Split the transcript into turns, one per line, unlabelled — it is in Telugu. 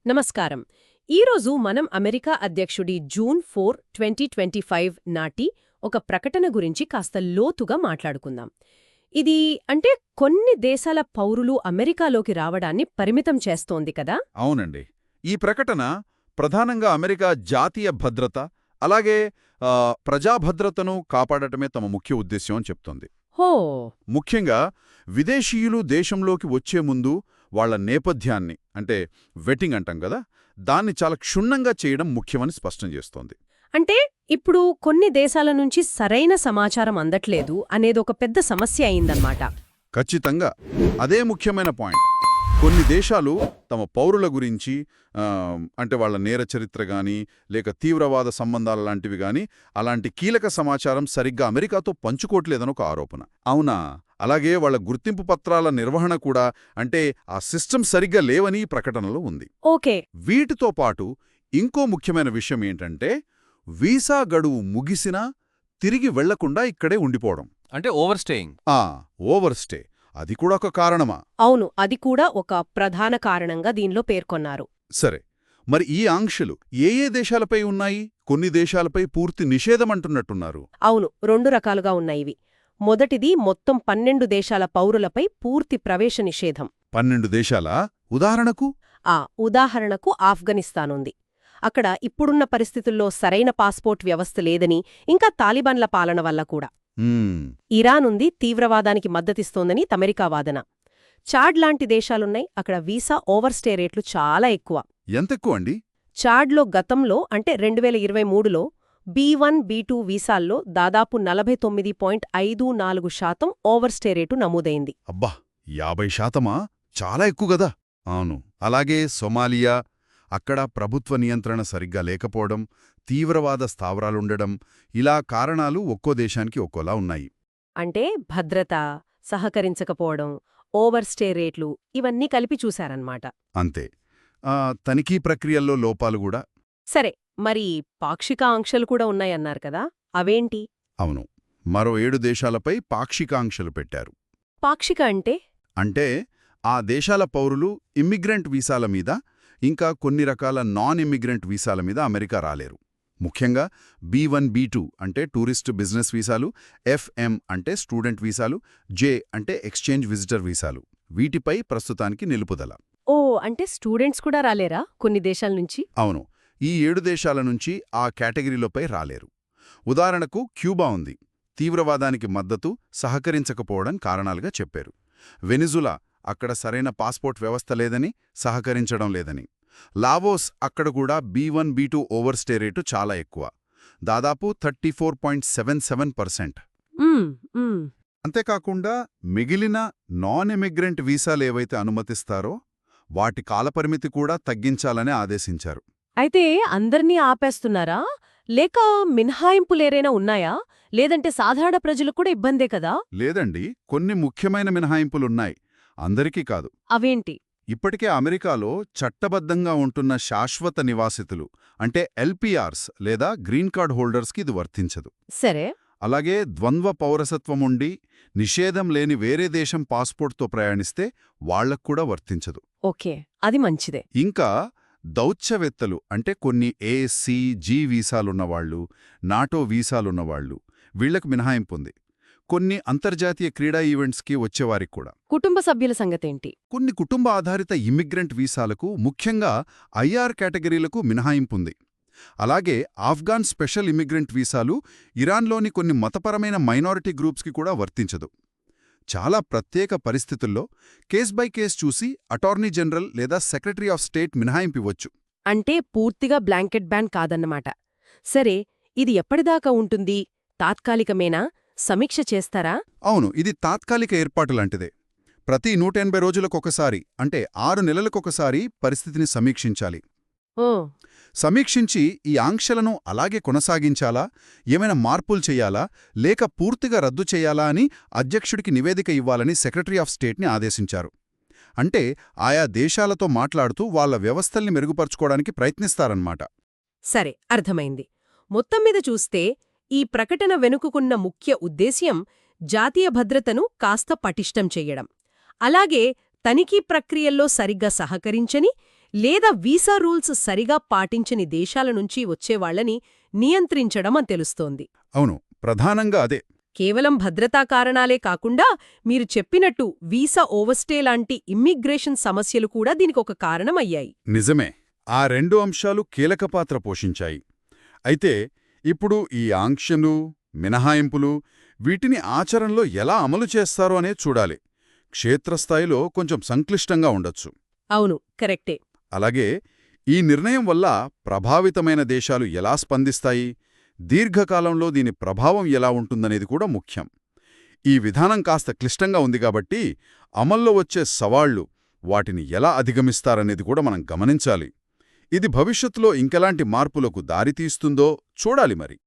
నమస్కారం. ఈరోజు మనం అమెరికా అధ్యక్షుడి జూన్ 4, 2025 నాటి ఒక ప్రకటన గురించి కాస్త లోతుగా మాట్లాడుకుందాం. ఇది కొన్ని దేశాల పౌరులు అమెరికాలోకి రావడాన్ని పరిమితం చేస్తోంది కదా?
అవునండి. ఈ ప్రకటన ప్రధానంగా అమెరికా జాతీయ భద్రత, అలాగే ప్రజాభద్రతను కాపాడటమే తమ ముఖ్య ఉద్దేశ్యం అని చెప్తోంది.
హో!
ముఖ్యంగా విదేశీయులు దేశంలోకి వచ్చే ముందు వాళ్ల నేపథ్యాన్ని, వెట్టింగ్ అంటాం కదా, దాన్ని చాలా క్షుణ్ణంగా చేయడం ముఖ్యమని స్పష్టం చేస్తోంది.
అంటే ఇప్పుడు కొన్ని దేశాల నుంచి సరైన సమాచారం అందట్లేదు అనేదొక పెద్ద సమస్య అయిందన్నమాట.
ఖచ్చితంగా అదే ముఖ్యమైన పాయింట్. కొన్ని దేశాలు తమ పౌరుల గురించి వాళ్ళ నేర చరిత్ర గాని, లేక తీవ్రవాద సంబంధాల లాంటివి గాని, అలాంటి కీలక సమాచారం సరిగ్గా అమెరికాతో పంచుకోవట్లేదనొక ఆరోపణ. అవునా? అలాగే వాళ్ల గుర్తింపు పత్రాల నిర్వహణ కూడా, ఆ సిస్టమ్ సరిగ్గా లేవని ఈ ప్రకటనలో ఉంది.
ఓకే.
వీటితో పాటు ఇంకో ముఖ్యమైన విషయం ఏంటంటే, వీసా గడువు ముగిసినా తిరిగి వెళ్లకుండా ఇక్కడే ఉండిపోవడం. Over stay. అది కూడా ఒక కారణమా?
అవును, అది కూడా ఒక ప్రధాన కారణంగా దీనిలో పేర్కొన్నారు.
సరే, మరి ఈ ఆంక్షలు ఏ దేశాలపై ఉన్నాయి? కొన్ని దేశాలపై పూర్తి నిషేధమంటున్నట్టున్నారు.
అవును, 2 రకాలుగా ఉన్నాయివి. మొదటిది మొత్తం 12 దేశాల పౌరులపై పూర్తి ప్రవేశ నిషేధం.
12 దేశాలా? ఉదాహరణకు?
ఉదాహరణకు ఆఫ్ఘనిస్తానుంది. అక్కడ ఇప్పుడున్న పరిస్థితుల్లో సరైన పాస్పోర్ట్ వ్యవస్థ లేదని, ఇంకా తాలిబాన్ల పాలన వల్ల కూడా. ఇరానుంది, తీవ్రవాదానికి మద్దతిస్తోందని అమెరికా వాదన. చాడ్ లాంటి దేశాలున్నాయి, అక్కడ వీసా ఓవర్స్టే రేట్లు చాలా ఎక్కువ.
ఎంతెక్కువ అండి?
చాడ్లో గతంలో 2023లో B1, B2 వీసాల్లో దాదాపు 49.54% ఓవర్స్టే రేటు నమోదైంది.
అబ్బా, 50%? చాలా ఎక్కువ గదా. అవును. అలాగే సొమాలియా, అక్కడ ప్రభుత్వ నియంత్రణ సరిగ్గా లేకపోవడం, తీవ్రవాద స్థావరాలుండడం, ఇలా కారణాలు ఒక్కో దేశానికి ఒక్కోలా ఉన్నాయి.
భద్రత, సహకరించకపోవడం, ఓవర్స్టే రేట్లు ఇవన్నీ కలిపి చూశారన్నమాట.
అంతే. తనిఖీ ప్రక్రియల్లో లోపాలు కూడా.
సరే, మరి పాక్షిక ఆంక్షలు కూడా ఉన్నాయన్నారు కదా, అవేంటి?
అవును, మరో 7 దేశాలపై పాక్షిక ఆంక్షలు పెట్టారు.
పాక్షిక
అంటే ఆ దేశాల పౌరులు ఇమ్మిగ్రెంట్ వీసాల మీద, ఇంకా కొన్ని రకాల నాన్ ఇమ్మిగ్రెంట్ వీసాల మీద అమెరికా రాలేరు. ముఖ్యంగా B1, B2 టూరిస్ట్ బిజినెస్ వీసాలు, FM స్టూడెంట్ వీసాలు, J ఎక్స్చేంజ్ విజిటర్ వీసాలు, వీటిపై ప్రస్తుతానికి నిలుపుదల.
స్టూడెంట్స్ కూడా రాలేరా కొన్ని దేశాల నుంచి?
అవును, ఈ 7 దేశాల నుంచి ఆ కేటగిరీలపై రాలేరు. ఉదాహరణకు క్యూబా ఉంది. తీవ్రవాదానికి మద్దతు, సహకరించకపోవడం కారణాలుగా చెప్పారు. వెనిజులా, అక్కడ సరైన పాస్పోర్ట్ వ్యవస్థ లేదని, సహకరించడం లేదని. లావోస్, అక్కడ కూడా B1, B2 ఓవర్స్టే రేటు చాలా ఎక్కువ, దాదాపు 34.77%. అంతేకాకుండా మిగిలిన నాన్ ఇమిగ్రెంట్ వీసాలేవైతే అనుమతిస్తారో వాటి కాలపరిమితి కూడా తగ్గించాలని ఆదేశించారు.
అయితే అందర్నీ ఆపేస్తున్నారా, లేక మినహాయింపులేరైనా ఉన్నాయా? లేదంటే సాధారణ ప్రజలకు కూడా ఇబ్బందే కదా?
లేదండి, కొన్ని ముఖ్యమైన మినహాయింపులున్నాయి, అందరికీ కాదు.
అవేంటి?
ఇప్పటికే అమెరికాలో చట్టబద్ధంగా ఉంటున్న శాశ్వత నివాసితులు LPRs లేదా గ్రీన్ కార్డ్ హోల్డర్స్కి ఇది వర్తించదు.
సరే.
అలాగే ద్వంద్వ పౌరసత్వముండి నిషేధం లేని వేరే దేశం పాస్పోర్ట్తో ప్రయాణిస్తే వాళ్లక్కూడా వర్తించదు.
ఓకే, అది మంచిదే.
ఇంకా దౌత్యవేత్తలు, కొన్ని A, C, G వీసాలున్నవాళ్లు, నాటో వీసాలున్నవాళ్లు, వీళ్లకు మినహాయింపుంది. కొన్ని అంతర్జాతీయ క్రీడా ఈవెంట్స్కి వచ్చేవారికి కూడా.
కుటుంబ సభ్యుల సంగతేంటి?
కొన్ని కుటుంబ ఆధారిత ఇమ్మిగ్రెంట్ వీసాలకు, ముఖ్యంగా IR కేటగిరీలకు మినహాయింపుంది. అలాగే ఆఫ్ఘాన్ స్పెషల్ ఇమ్మిగ్రెంట్ వీసాలు ఇరాన్లోని కొన్ని మతపరమైన మైనారిటీ గ్రూప్స్కి కూడా వర్తించదు. చాలా ప్రత్యేక పరిస్థితుల్లో కేస్ బై కేస్ చూసి అటార్నీ జనరల్ లేదా సెక్రటరీ ఆఫ్ స్టేట్ మినహాయింపివ్వచ్చు.
పూర్తిగా బ్లాంకెట్ బ్యాన్ కాదన్నమాట. సరే, ఇది ఎప్పటిదాకా ఉంటుంది? తాత్కాలికమేనా? సమీక్ష చేస్తారా?
అవును, ఇది తాత్కాలిక ఏర్పాటు లాంటిదే. ప్రతి 180 రోజులకొకసారి 6 నెలలకొకసారి పరిస్థితిని సమీక్షించాలి. సమీక్షించి ఈ ఆంక్షలను అలాగే కొనసాగించాలా, ఏమైనా మార్పులు చెయ్యాలా, లేక పూర్తిగా రద్దు చెయ్యాలా అని అధ్యక్షుడికి నివేదిక ఇవ్వాలని సెక్రటరీ ఆఫ్ స్టేట్ని ఆదేశించారు. ఆయా దేశాలతో మాట్లాడుతూ వాళ్ల వ్యవస్థల్ని మెరుగుపరుచుకోవడానికి ప్రయత్నిస్తారన్నమాట.
సరే, అర్థమైంది. మొత్తం మీద చూస్తే ఈ ప్రకటన వెనుకుకున్న ముఖ్య ఉద్దేశ్యం జాతీయ భద్రతను కాస్త పటిష్టం చెయ్యడం, అలాగే తనిఖీ ప్రక్రియల్లో సరిగ్గా సహకరించని లేదా వీసా రూల్స్ సరిగా పాటించని దేశాల నుంచి వచ్చేవాళ్లని నియంత్రించడం అని తెలుస్తోంది.
అవును, ప్రధానంగా అదే.
కేవలం భద్రతా కారణాలే కాకుండా మీరు చెప్పినట్టు వీసా ఓవర్స్టే లాంటి ఇమ్మిగ్రేషన్ సమస్యలు కూడా దీనికొక కారణమయ్యాయి.
నిజమే, ఆ రెండు అంశాలు కీలక పాత్ర పోషించాయి. అయితే ఇప్పుడు ఈ ఆంక్షలు, మినహాయింపులు వీటిని ఆచరణలో ఎలా అమలు చేస్తారో అనే చూడాలి. క్షేత్రస్థాయిలో కొంచెం సంక్లిష్టంగా ఉండొచ్చు.
అవును, కరెక్టే.
అలాగే ఈ నిర్ణయం వల్ల ప్రభావితమైన దేశాలు ఎలా స్పందిస్తాయి, దీర్ఘకాలంలో దీని ప్రభావం ఎలా ఉంటుందనేది కూడా ముఖ్యం. ఈ విధానం కాస్త క్లిష్టంగా ఉంది కాబట్టి అమల్లో వచ్చే సవాళ్లు, వాటిని ఎలా అధిగమిస్తారనేది కూడా మనం గమనించాలి. ఇది భవిష్యత్తులో ఇంకెలాంటి మార్పులకు దారితీస్తుందో చూడాలి మరి.